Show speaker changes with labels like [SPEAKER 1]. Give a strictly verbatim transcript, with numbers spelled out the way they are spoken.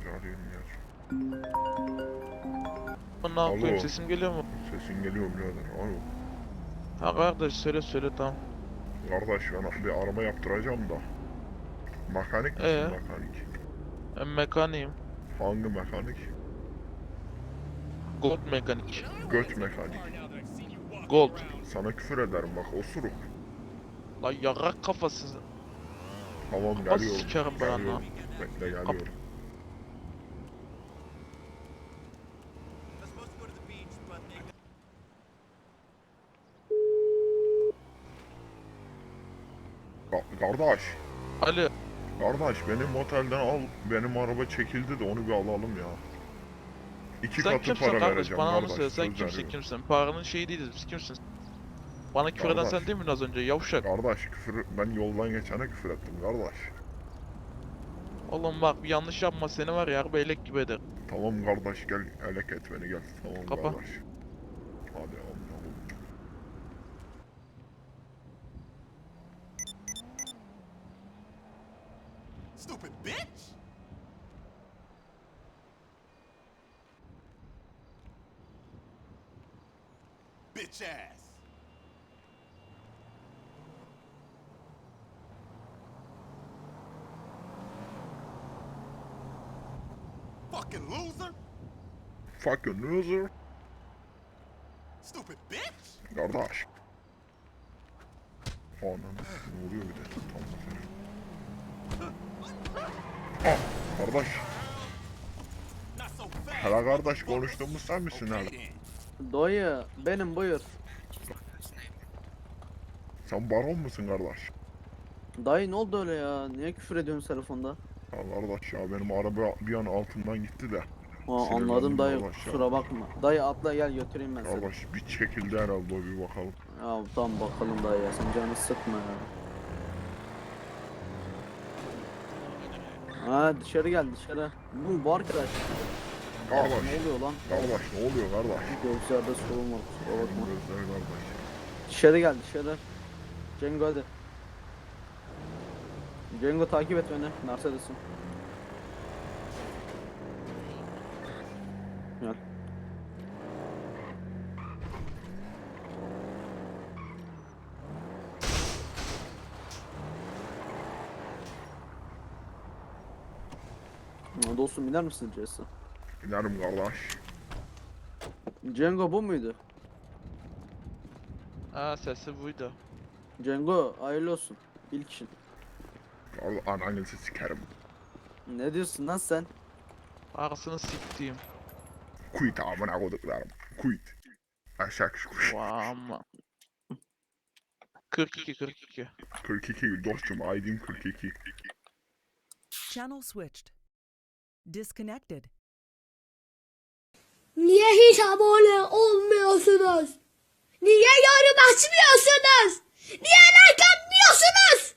[SPEAKER 1] Bir arayayım ya.
[SPEAKER 2] Ne yapayım,
[SPEAKER 1] Alo.
[SPEAKER 2] sesim geliyor mu?
[SPEAKER 1] Sesin geliyor birader. Alo.
[SPEAKER 2] Ha kardeş, söyle söyle, tamam.
[SPEAKER 1] Kardeş ben bir araba yaptıracağım da. Mekanik misin
[SPEAKER 2] Ee,
[SPEAKER 1] mekanik?
[SPEAKER 2] ben mekaniğim.
[SPEAKER 1] Hangi mekanik?
[SPEAKER 2] Gold mekanik.
[SPEAKER 1] Göt mekanik.
[SPEAKER 2] Gold.
[SPEAKER 1] Sana küfür ederim bak osuruk.
[SPEAKER 2] La yarak kafası.
[SPEAKER 1] Tamam
[SPEAKER 2] Kafa
[SPEAKER 1] geliyorum.
[SPEAKER 2] sikerim ben anla.
[SPEAKER 1] Geliyorum. Bekle
[SPEAKER 2] Kap
[SPEAKER 1] geliyorum. Ka- kardeş.
[SPEAKER 2] Ali.
[SPEAKER 1] Kardeş benim otelden al. Benim araba çekildi de onu bir alalım ya. İki
[SPEAKER 2] Sen
[SPEAKER 1] katı
[SPEAKER 2] kimsin
[SPEAKER 1] para
[SPEAKER 2] kardeş?
[SPEAKER 1] vereceğim
[SPEAKER 2] Bana onu
[SPEAKER 1] kardeş.
[SPEAKER 2] söyle. Sen
[SPEAKER 1] Söz
[SPEAKER 2] kimsin
[SPEAKER 1] veriyorum.
[SPEAKER 2] kimsin? Paranın şeyi değiliz biz. Kimsin? Bana küfür eden
[SPEAKER 1] Kardeş.
[SPEAKER 2] sen değil miydin az önce? Yavşak.
[SPEAKER 1] Kardeş küfür ben yoldan geçene küfür ettim kardeş.
[SPEAKER 2] Oğlum bak, bir yanlış yapma, seni var ya harbi elek gibi eder.
[SPEAKER 1] Tamam kardeş gel elek et beni gel. Tamam
[SPEAKER 2] Kapa.
[SPEAKER 1] kardeş. Hadi amına koyayım.
[SPEAKER 3] Stupid bitch! Bitch ass! Fucking loser!
[SPEAKER 1] Fucking loser.
[SPEAKER 3] Stupid bitch!
[SPEAKER 1] Kardeş. Anam ne oluyor bir de tam bakıyorum. Ah kardeş.
[SPEAKER 3] Not so fast!
[SPEAKER 1] Hele kardeş konuştuğumuz sen misin hele?
[SPEAKER 3] Okay then.
[SPEAKER 4] Dayı benim, buyur.
[SPEAKER 1] Sen baron musun kardeş?
[SPEAKER 4] Dayı ne oldu öyle ya? Niye küfür ediyorsun telefonda?
[SPEAKER 1] Ya kardeş ya benim araba bir an altımdan gitti de.
[SPEAKER 4] Aa,
[SPEAKER 1] Sinirlendim
[SPEAKER 4] anladım dayı,
[SPEAKER 1] kardeş ya.
[SPEAKER 4] kusura bakma. Dayı atla gel götüreyim ben seni.
[SPEAKER 1] Kardeş bir çekildi herhalde o bir bakalım.
[SPEAKER 4] Ya tamam bakalım dayı ya, sen canını sıkma ya. Ha dışarı gel dışarı. Bu, bu arkadaş. Aa,
[SPEAKER 1] Kardeş.
[SPEAKER 4] ne oluyor lan?
[SPEAKER 1] Kardeş ne oluyor kardeş?
[SPEAKER 4] Gözlerde sorun var, kusura
[SPEAKER 1] Benim
[SPEAKER 4] bakma.
[SPEAKER 1] gözler kardeş.
[SPEAKER 4] Dışarı gel dışarı. Cengo hadi. Cengo takip et beni. Mercedes'im. Gel. Ya dostum biner misin Jesse?
[SPEAKER 1] İnerim kardeş.
[SPEAKER 4] Cengo bu muydu?
[SPEAKER 2] Ha, sesi buydu.
[SPEAKER 4] Cengo hayırlı olsun. İlk işin.
[SPEAKER 1] Kardeş ananızı sikerim.
[SPEAKER 4] Ne diyorsun lan sen?
[SPEAKER 2] Arasını siktiğim.
[SPEAKER 1] Quit amına koduklarım. Quit. Aşağı kuş.
[SPEAKER 2] Vama. kırk iki kırk iki.
[SPEAKER 1] kırk iki dostum I D'm kırk iki.
[SPEAKER 5] Channel switched. Disconnected.
[SPEAKER 6] Niye hiç abone olmuyorsunuz? Niye yorum açmıyorsunuz? Niye like atmıyorsunuz?